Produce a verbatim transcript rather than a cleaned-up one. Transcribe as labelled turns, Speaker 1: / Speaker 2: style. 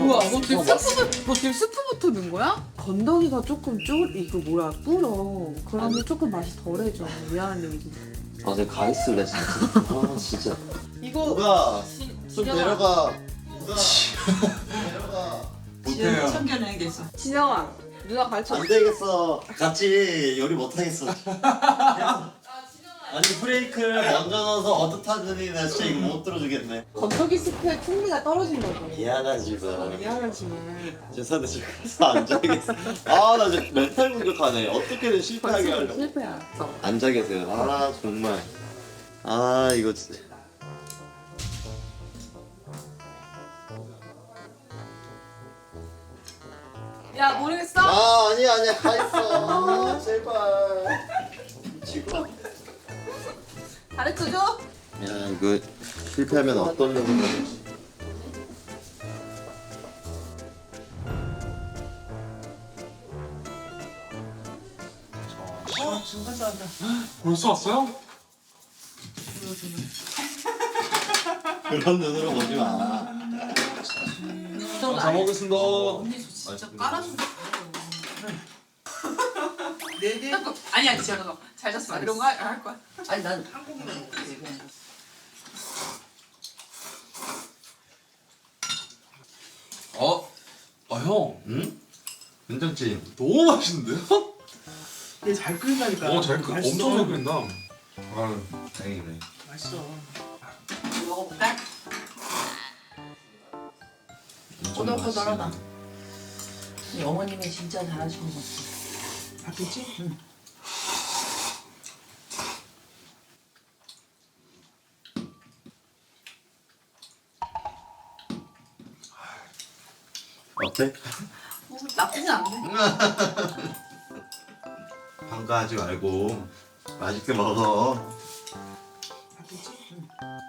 Speaker 1: 뭐야? 너 지금 스프부, 너 지금 스프부터 넣은 거야? 건더기가 조금 쫄 이거 뭐야 불어. 그러면 조금 맛이 덜해져. 미안한 얘기.
Speaker 2: 아 내가 가 있을래 진짜. 아 진짜.
Speaker 1: 이거
Speaker 2: 누가
Speaker 1: 지-
Speaker 2: 좀
Speaker 1: 진영아.
Speaker 2: 내려가. 누가 내려가.
Speaker 3: 지금 참견해야겠어.
Speaker 1: 진영아, 누나 가르쳐.
Speaker 2: 안 되겠어. 같이 요리 못 하겠어. 아니 브레이크를 먼저 넣어서 어떡하더니 나 진짜 이거 못 들어주겠네.
Speaker 1: 건더기 스프의 풍미가 떨어진다고.
Speaker 2: 미안하지만.
Speaker 1: 미안하지만.
Speaker 2: 죄송한데 지금 가서 앉아야겠어. 아나 지금 멘탈 공격하네. 어떻게든 실패하게 하려고.
Speaker 1: 실패야.
Speaker 2: 앉아 계세요. 아 정말. 아 이거 진짜.
Speaker 1: 야 모르겠어?
Speaker 2: 아 아니야 아니야 가 있어. 아, 제발. 지금.
Speaker 1: 가르쳐줘?
Speaker 2: 야 이거 실패하면 어떤 놈이 되지?
Speaker 3: 어, 지금 가서 한다.
Speaker 4: 벌써 왔어요?
Speaker 2: 그런 눈으로 보지 마.
Speaker 4: 잘 먹겠습니다.
Speaker 3: 언니 저 진짜 깔아준다. 네네. 아니 아니 제가 잘 잤어. 이런 거 할 거야. 아니 난 한국인은 못해.
Speaker 4: 어? 아 형,
Speaker 2: 응? 된장찌개.
Speaker 4: 너무 맛있는데요?
Speaker 3: 얘잘 끓인다니까.
Speaker 4: 어, 잘 끓, 엄청 잘 끓인다. 아,
Speaker 2: 다행이네.
Speaker 3: 맛있어. 먹어볼까?
Speaker 2: 엄청
Speaker 3: 꼬들꼬들하다.
Speaker 2: 맛있네.
Speaker 3: 이 어머님이 진짜 잘하시는 것 같아. 바뀌지? 응.
Speaker 2: 어때?
Speaker 3: 어, 나쁘지 않네.
Speaker 2: 반가하지 말고 맛있게 먹어.
Speaker 3: 바뀌지? 응.